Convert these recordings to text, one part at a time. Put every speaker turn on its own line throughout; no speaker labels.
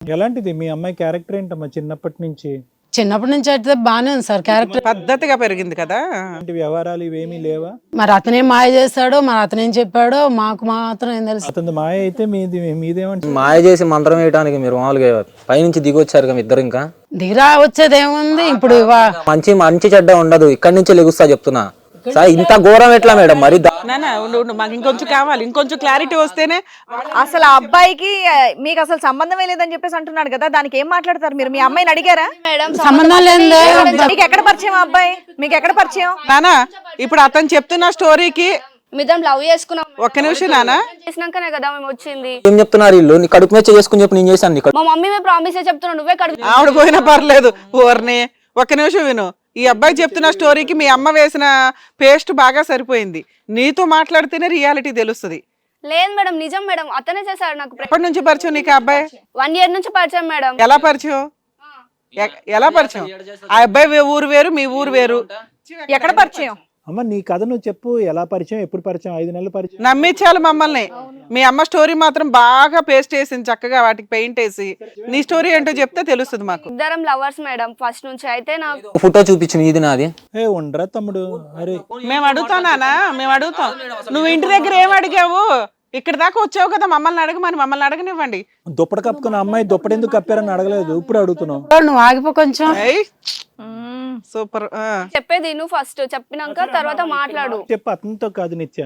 ఎలాంటిది మీ అమ్మాయి క్యారెక్టర్ ఏంటమ్మా చిన్నప్పటి నుంచి?
చిన్నప్పటి నుంచి అయితే బాగానే ఉంది సార్ క్యారెక్టర్.
పద్ధతిగా పెరిగింది కదా.
ఇలాంటి వ్యవహారాలు ఇవేమీ లేవా?
మరి అతనేం మాయ చేస్తాడో మరి అతనేం చెప్పాడో మాకు మాత్రం ఏం తెలుసు.
అతని మాయ అయితే మీదేమంటారు?
మాయ చేసి మంత్రం వేయడానికి మీరు మామూలుగా పైనుంచి దిగి వచ్చారు కదా ఇద్దరు. ఇంకా
దిగిరా వచ్చేది ఏముంది ఇప్పుడు
మంచి మంచి చెడ్డ ఉండదు, ఇక్కడి నుంచే లెగుస్తా చెప్తున్నా సార్. ఇంత ఘోరం ఎట్లా మేడం? మరి
మాకు ఇంకొంచెం కావాలి, ఇంకొంచెం క్లారిటీ వస్తేనే.
అసలు ఆ అబ్బాయికి మీకు అసలు సంబంధమే లేదని చెప్పేసి అంటున్నాడు కదా, దానికి ఏం మాట్లాడతారు మీరు? మీ అమ్మాయిని అడిగారా?
సంబంధం లేదే.
మీకు ఎక్కడ పరిచయం ఆ అబ్బాయి? మీకు ఎక్కడ పరిచయం?
నానా ఇప్పుడు అతను చెప్తున్న స్టోరీకి
మిద్దం లవ్ చేసుకున్నాం.
ఒక్క నిమిషం నానా,
చేసినాకనే కదా మేము వచ్చింది.
ఏం చెప్తున్నారు వీళ్ళు? నీ కడుపు మీద చేసుకుని చెప్పి నేను చేశాను నీకు.
మా మమ్మీ మేము ప్రామిస్ చెప్తున్నావు, నువ్వే కడుపు.
ఆవిడ పోయినా పర్లేదు ఓర్ని. ఒక్క నిమిషం విను. ఈ అబ్బాయి చెప్తున్న స్టోరీకి మీ అమ్మ వేసిన పేస్ట్ బాగా సరిపోయింది. నీతో మాట్లాడితేనే రియాలిటీ తెలుస్తుంది.
లేదు మేడం, నిజం మేడం, అతనే చేశాడు నాకు.
ఎప్పటి నుంచి పరిచయం నీకు ఆ అబ్బాయి?
1 year నుంచి పరిచయం మేడం.
ఎలా పరిచయం? ఎలా పరిచయం? ఆ అబ్బాయి ఊరు వేరు, మీ ఊరు వేరు.
ఎక్కడ పరిచయం?
అమ్మ నీ కథ నువ్వు చెప్పు. ఎలా పరిచయం, ఎప్పుడు పరిచయం? 5 నెలల పరిచయం.
నమ్మించాలి మమ్మల్ని. మీ అమ్మ స్టోరీ మాత్రం బాగా పేస్ట్ వేసింది చక్కగా, వాటికి పెయింట్ వేసి. నీ స్టోరీ ఏంటో చెప్తే తెలుస్తుంది మాకు.
ఇద్దరం లవర్స్ మేడం ఫస్ట్ నుంచి. అయితే నాకు
ఫోటో చూపించు ఇది నాది.
ఏ ఉండరా తమ్ముడు? అరే
మేము అడుగుతానా? మేము అడుగుతాం. నువ్వు ఇంటి దగ్గర ఏం అడిగావు? ఇక్కడ దాకా వచ్చావు కదా, మమ్మల్ని అడగమని. మమ్మల్ని అడగనివ్వండి.
దుప్పటి కప్పుకున్న అమ్మాయి దుప్పటి ఎందుకు కప్పారని అడగలేదు, ఇప్పుడు అడుగుతున్నావు.
నువ్వు ఆగిపో కొంచెం.
సూపర్.
చెప్పేది నువ్వు ఫస్ట్, చెప్పినాక తర్వాత మాట్లాడు.
చెప్పు. అతనితో కాదు నిత్య,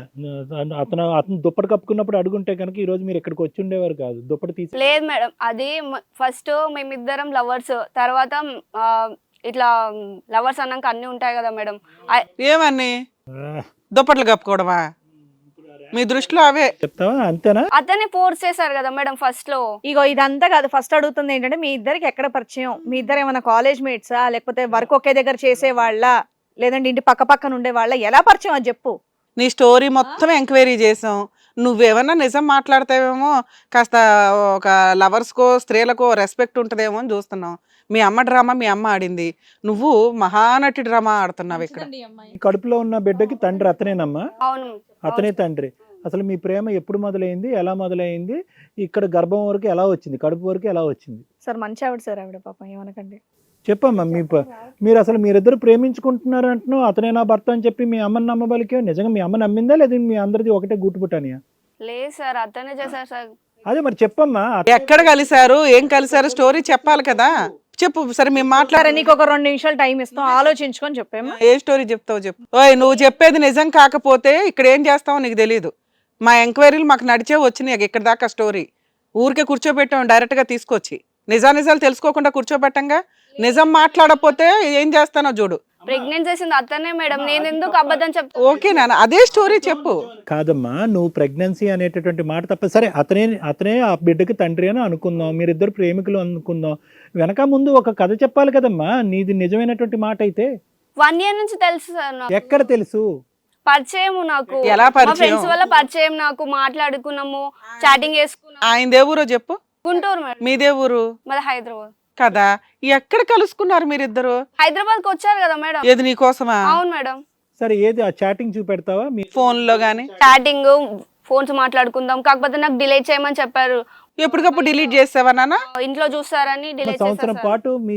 అతను దుప్పటి కప్పుకున్నప్పుడు అడుగుంటే కనుక ఈ రోజు మీరు ఇక్కడికి వచ్చి ఉండేవారు కాదు. దుప్పటి తీసి.
లేదు మేడం, అది ఫస్ట్ మేమిద్దరం లవర్స్, తర్వాత ఇట్లా లవర్స్ అన్నాక అన్ని ఉంటాయి కదా మేడం.
ఏమని దుప్పట్లు కప్పుకోవడమా? మీ దృష్టిలో అవే
చెప్తావా? అంతేనా?
అతనే ఫోర్స్ చేశారు కదా మేడం ఫస్ట్ లో.
ఇగో ఇదంతా కాదు, ఫస్ట్ అడుగుతుంది ఏంటంటే మీ ఇద్దరికి ఎక్కడ పరిచయం? మీ ఇద్దరు ఏమైనా కాలేజ్ మేట్సా, లేకపోతే వర్క్ ఒకే దగ్గర చేసేవాళ్ళ, లేదంటే ఇంటి పక్క పక్కన ఉండేవాళ్ళ? ఎలా పరిచయం అని చెప్పు.
నీ స్టోరీ మొత్తం ఎంక్వైరీ చేసాం. నువ్వేమన్నా నిజం మాట్లాడతావేమో, కాస్త ఒక లవర్స్కో స్త్రీలకో రెస్పెక్ట్ ఉంటుందేమో అని చూస్తున్నావు. మీ అమ్మ డ్రామా మీ అమ్మ ఆడింది, నువ్వు మహానటి డ్రామా ఆడుతున్నావు ఇక్కడ.
కడుపులో ఉన్న బిడ్డకి తండ్రి అతనేనమ్మా?
అవును,
అతనే తండ్రి. అసలు మీ ప్రేమ ఎప్పుడు మొదలైంది, ఎలా మొదలైంది, ఇక్కడ గర్భం వరకు ఎలా వచ్చింది, కడుపు వరకు ఎలా వచ్చింది?
సార్ మంచి ఆవిడ సార్, ఆవిడ పాపం ఏమనకండి.
చెప్పమ్మా. మీరు అసలు మీరిద్దరు ప్రేమించుకుంటున్నారు అంటున్నావు, అతనే నా భర్త అని చెప్పి మీ అమ్మని నమ్మబలికే. నిజంగా మీ అమ్మ నమ్మిందా లేదా మీ అందరిది ఒకటే గుట్టుపుటానియా?
లేదు సార్, అతనే చేశారు సార్.
అదే మరి చెప్పమ్మా.
ఎక్కడ కలిశారు, ఏం కలిశారు, స్టోరీ చెప్పాలి కదా. చెప్పు. సరే మేము మాట్లాడారు.
నీకు ఒక 2 నిమిషాలు టైం ఇస్తాం, ఆలోచించుకొని చెప్పేమా.
ఏ స్టోరీ చెప్తావు చెప్పు. ఓయ్ నువ్వు చెప్పేది నిజం కాకపోతే ఇక్కడ ఏం చేస్తావో నీకు తెలియదు. మా ఎంక్వైరీలు మాకు నడిచే వచ్చినాయి ఇక్కడ దాకా. స్టోరీ ఊరికే కూర్చోబెట్టాం డైరెక్ట్ గా తీసుకొచ్చి. నిజాలు తెలుసుకోకుండా కూర్చోబెట్టంగా. నిజం మాట్లాడకపోతే ఏం చేస్తానో చూడు.
ప్రెగ్నెంట్ చేసింది అతనే మేడం, నేను ఎందుకు అబద్ధం చెప్తా?
ఓకే నాన్న, అదే స్టోరీ చెప్పు.
కాదమ్మా, నువ్వు ప్రెగ్నెన్సీ అనేటటువంటి మాట తప్ప. సరే అతనే ఆ బిడ్డకి తండ్రి అని అనుకుందాం, మీరిద్దరు ప్రేమికులు అనుకుందాం. వెనక ముందు ఒక కథ చెప్పాలి కదమ్మా, నీది నిజమైనటువంటి మాట అయితే.
1 year నుంచి తెలుసు సార్ నాకు.
ఎక్కడ తెలుసు?
పరిచయం నాకు.
ఎలా పరిచయం?
ఫ్రెండ్స్ వల్ల పరిచయం నాకు. మాట్లాడుకున్నాము, చాటింగ్ చేసుకున్నాము.
ఆయన దేవురో చెప్పు.
గుంటూరు మేడం.
మీ దేవురు?
మరి హైదరాబాద్
కదా. ఎక్కడ కలుసుకున్నారు మీరిద్దరు?
హైదరాబాద్ కి వచ్చారు కదా మేడం.
ఏది నీకోసమా?
అవును మేడం.
సరే ఏది ఆ చాటింగ్ చూపెడతావా? మీ
ఫోన్ లో గానీ?
చాటింగ్, ఫోన్స్ మాట్లాడుకుందాం. కాకపోతే నాకు డిలీట్ చేయమని చెప్పారు.
ఎప్పటికప్పుడు డిలీట్ చేసావా నాన్న?
ఇంట్లో చూస్తారని డిలీట్
సంవత్సరం
చేశారు.
పాటు మీ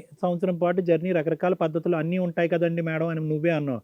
జర్నీ రకరకాల పద్ధతులు అన్నీ ఉంటాయి కదండి మేడం అని నువ్వే అన్నావు.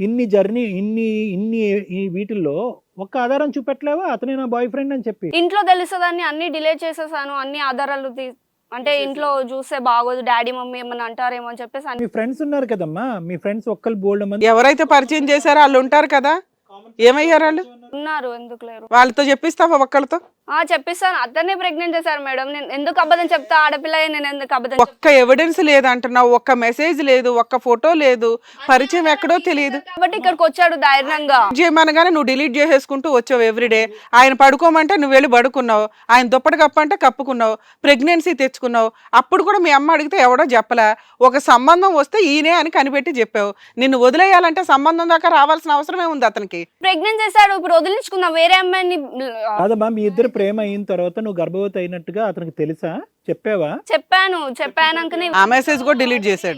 ఇన్ని వీటిల్లో ఒక్క ఆధారం చూపెట్టలేవా అతనే నా బాయ్ ఫ్రెండ్ అని చెప్పి?
ఇంట్లో తెలుస్తుందని అన్ని డిలీట్ చేసేసాను. అన్ని ఆధారాలు అంటే ఇంట్లో చూస్తే బాగోదు, డాడీ మమ్మీ ఏమన్నా అంటారేమో అని చెప్పేసి.
మీ ఫ్రెండ్స్ ఉన్నారు కదమ్మా, మీ ఫ్రెండ్స్ ఒక్కరు బోల్డ్ మంది.
ఎవరైతే పరిచయం చేశారో వాళ్ళు ఉంటారు కదా. ఏమయ్యారు వాళ్ళు?
ఉన్నారు, ఎందుకు లేరు?
వాళ్ళతో చెప్పిస్తావా ఒక్కళ్ళతో?
చెప్పిస్తాను. అతనే ప్రెగ్నెంట్ చేశారు మేడం. నేను ఎందుకు అబద్ధం చెప్తా? ఆడపిల్ల నేను ఎందుకు అబద్ధం?
ఒక్క ఎవిడెన్స్ లేదు అంటున్నావు, ఒక్క మెసేజ్ లేదు, ఒక్క ఫోటో లేదు, పరిచయం ఎక్కడో తెలియదు
కాబట్టి ఇక్కడికి వచ్చాడు ధైర్యంగా.
చేయమనగానే నువ్వు డిలీట్ చేసేసుకుంటూ వచ్చావు ఎవ్రీడే. ఆయన పడుకోమంటే నువ్వు వెళ్ళి పడుకున్నావు, ఆయన దుప్పటి కప్పంటే కప్పుకున్నావు, ప్రెగ్నెన్సీ తెచ్చుకున్నావు. అప్పుడు కూడా మీ అమ్మ అడిగితే ఎవడో చెప్పలా. ఒక సంబంధం వస్తే ఈయనే అని కనిపెట్టి చెప్పావు. నిన్ను వదిలేయాలంటే సంబంధం దాకా రావాల్సిన అవసరమే ఉంది అతనికి.
ప్రెగ్నెంట్ చేశాడు, ఇప్పుడు వదిలించుకుందాం వేరే అమ్మాయిని.
కాదమ్మా, మీ ఇద్దరు ప్రేమ అయిన తర్వాత నువ్వు గర్భవతి అయినట్టుగా అతనికి తెలుసా? చెప్పావా?
చెప్పాను. చెప్పానంకనే
ఆ మెసేజ్ కూడా డిలీట్ చేశాడు.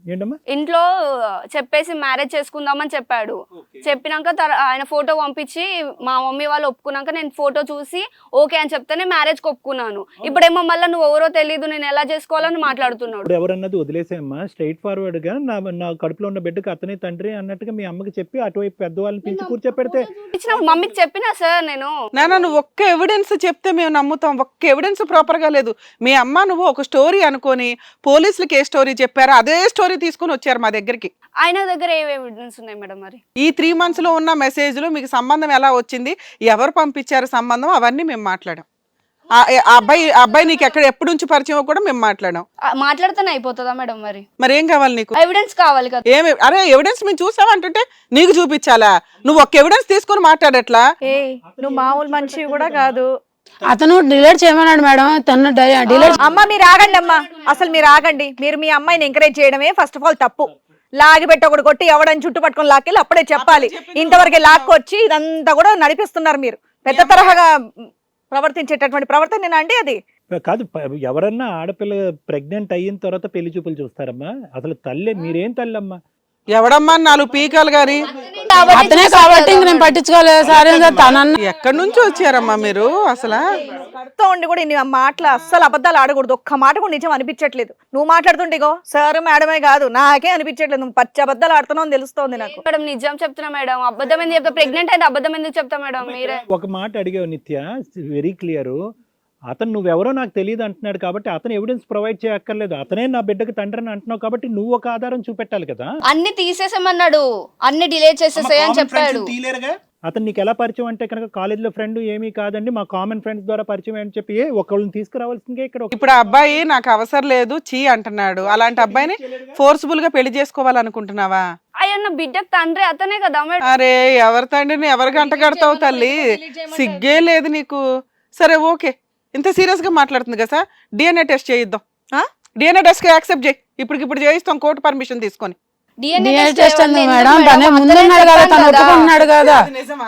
ఏంటమ్మా?
ఇంట్లో చెప్పేసి మ్యారేజ్ చేసుకుందామని చెప్పాడు. చెప్పినాక ఆయన ఫోటో పంపించి మా మమ్మీ వాళ్ళు ఒప్పుకున్నాక నేను ఫోటో చూసి ఓకే అని చెప్తేనే మ్యారేజ్ కి ఒప్పుకున్నాను. ఇప్పుడేమో మళ్ళీ నువ్వు ఎవరో తెలియదు నేను ఎలా చేసుకోవాలని మాట్లాడుతున్నాడు.
ఇప్పుడు ఎవరన్నది వదిలేసేమ్మా, స్ట్రైట్ ఫార్వర్డ్ గా నా కడుపులో ఉన్న బిడ్డకు అతనే తండ్రి అన్నట్టుగా మీ అమ్మకి చెప్పి అటువైపు పెద్దవాళ్ళని పిలిచి కూర్చోపెడితే
ఇచ్చినప్పుడు మమ్మీకి చెప్పినా సార్ నేను
నాన్న నువ్వు ఒక్క ఎవిడెన్స్ చెప్తే మేము నమ్ముతాం. ఒక్క ఎవిడెన్స్ ప్రాపర్ గా లేదు. మీ అమ్మ నువ్వు ఒక స్టోరీ అనుకొని పోలీసులకి ఏ స్టోరీ చెప్పారో అదే స్టోరీ తీసుకొని వచ్చారు మా దగ్గరికి.
ఆయన దగ్గర ఏ ఎవిడెన్స్ ఉన్నాయి మేడం? మరి
ఈ 3 months లో ఉన్న మెసేజ్లు మీకు సంబంధం ఎలా వచ్చింది, ఎవరు పంపించారు సంబంధం, అవన్నీ మేము మాట్లాడాం. ఆ అబ్బాయి నీకు ఎప్పటి నుంచి పరిచయం కూడా మేము మాట్లాడాం.
మాట్లాడితేనే అయిపోతుందా మేడం? మరి
ఏం కావాలి నీకు?
ఎవిడెన్స్ కావాలి కదా.
అరే ఎవిడెన్స్ మేము చూసామంటుంటే నీకు చూపించాలా? నువ్వు ఒక్క ఎవిడెన్స్ తీసుకొని మాట్లాడట్లా?
నువ్వు మామూలు మనిషి కూడా కాదు.
అతను డిలీట్ చేయమన్నాడు మేడం. తను డిలీట్.
అమ్మ మీరు ఆగండి అమ్మా, అసలు మీరు ఆగండి. మీరు మీ అమ్మాయిని ఎంకరేజ్ చేయడమే ఫస్ట్ ఆఫ్ ఆల్ తప్పు. లాగి పెట్టి ఒకటి కొట్టి ఎవడని చుట్టు పట్టుకొని లాక్కెళ్ళి అప్పుడే చెప్పాలి. ఇంతవరకు లాక్కొచ్చి ఇదంతా కూడా నడిపిస్తున్నారు మీరు. పెద్ద తరహాగా ప్రవర్తించేటటువంటి ప్రవర్తన అండి అది
కాదు. ఎవరన్నా ఆడపిల్ల ప్రెగ్నెంట్ అయిన తర్వాత పెళ్లి చూపులు చూస్తారమ్మా? అసలు తల్లి మీరేం తల్లమ్మా?
ఎవడమ్మా 4 పీకాలు గాని
అతనే కాబట్టి ఇంక నేను పట్టించుకోలేదు సార్. తనన్న
ఎక్కడి నుంచి వచ్చారమ్మా మీరు? అసలు
కడుతూ ఉండి కూడా ఇన్ని మాటలు అస్సలు అబద్ధాలు ఆడకూడదు. ఒక్క మాట కూడా నిజం అనిపించట్లేదు. నువ్వు మాట్లాడుతుంటేగో సార్ మేడమే కాదు నాకే అనిపించట్లేదు. నువ్వు పచ్చి అబద్ధాలు ఆడుతున్నావు తెలుస్తోంది నాకు.
మేడం నిజం చెప్తున్నా మేడం. అబద్ధం ఎందుకు చెప్తా? ప్రెగ్నెంట్ అయితే అబద్ధం ఎందుకు చెప్తా మేడం? మీరే
ఒక మాట అడిగావు నిత్య, వెరీ క్లియర్. అతను నువ్వెవరో నాకు తెలియదు అంటున్నాడు కాబట్టి అతను ఎవిడెన్స్ ప్రొవైడ్ చేయక్కర్లేదు. అతనే నా బిడ్డకి తండ్రి అని అంటున్నావు కాబట్టి నువ్వు ఒక ఆధారం చూపెట్టాలి కదా.
అన్ని తీసేసామన్నాడు, అన్ని డిలీట్ చేసేసాయి అని చెప్పాడు.
అతను నీకు ఎలా పరిచయం అంటే కనుక కాలేజీలో ఫ్రెండ్ ఏమీ కాదండి, మా కామన్ ఫ్రెండ్స్ ద్వారా పరిచయం అని చెప్పి ఒకళ్ళని తీసుకురావాల్సిందే ఇక్కడ.
ఇప్పుడు ఆ అబ్బాయి నాకు అవసరం లేదు చీ అంటున్నాడు. అలాంటి అబ్బాయిని ఫోర్స్ఫుల్ గా పెళ్లి చేసుకోవాలనుకుంటున్నావా?
అయ్యన్న బిడ్డకు తండ్రి అతనే కదా మేడం.
అరే ఎవరి తండ్రిని ఎవరు గంట కడతావు తల్లి? సిగ్గే లేదు నీకు. సరే ఓకే, ఇంత సీరియస్ గా మాట్లాడుతుంది కదా సార్, డిఎన్ఏ టెస్ట్ చేయిద్దాం. డిఎన్ఏ టెస్ట్ కి యాక్సెప్ట్ చేయి. ఇప్పుడు చేయిస్తాం కోర్టు పర్మిషన్ తీసుకొని.
DNA test madam. తనే ముందున్నాడు కదా, తను ఒప్పుకుంటున్నాడు కదా.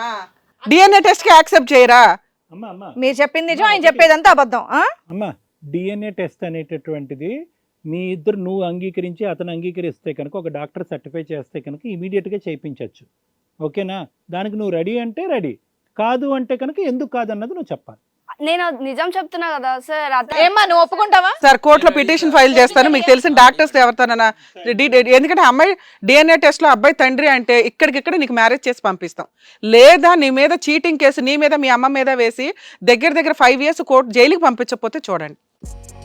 డిఎన్ఏ టెస్ట్ కి యాక్సెప్ట్ చేయరా?
మీరు చెప్పింది నిజం, ఆయన చెప్పేదంతా అబద్ధం.
అమ్మా డిఎన్ఏ టెస్ట్ అనేటటువంటిది మీ ఇద్దరు నువ్వు అంగీకరించి అతను అంగీకరిస్తే కనుక ఒక డాక్టర్ సర్టిఫై చేస్తే కనుక ఇమీడియట్గా చేయించవచ్చు. ఓకేనా? దానికి నువ్వు రెడీ అంటే రెడీ, కాదు అంటే కనుక ఎందుకు కాదన్నది నువ్వు చెప్పాలి.
నేను నిజం చెప్తున్నా కదా సార్.
ఏమ్మా నువ్వు ఒప్పుకుంటావా?
సార్ కోర్టులో పిటిషన్ ఫైల్ చేస్తాను. మీకు తెలిసిన డాక్టర్స్ ఎవరితోనన్నా, ఎందుకంటే అమ్మాయి డిఎన్ఏ టెస్ట్ లో అబ్బాయి తండ్రి అంటే ఇక్కడికిక్కడ నీకు మ్యారేజ్ చేసి పంపిస్తాం. లేదా నీ మీద చీటింగ్ కేసు నీ మీద మీ అమ్మ మీద వేసి దగ్గర 5 years కోర్టు జైలుకి పంపించకపోతే చూడండి.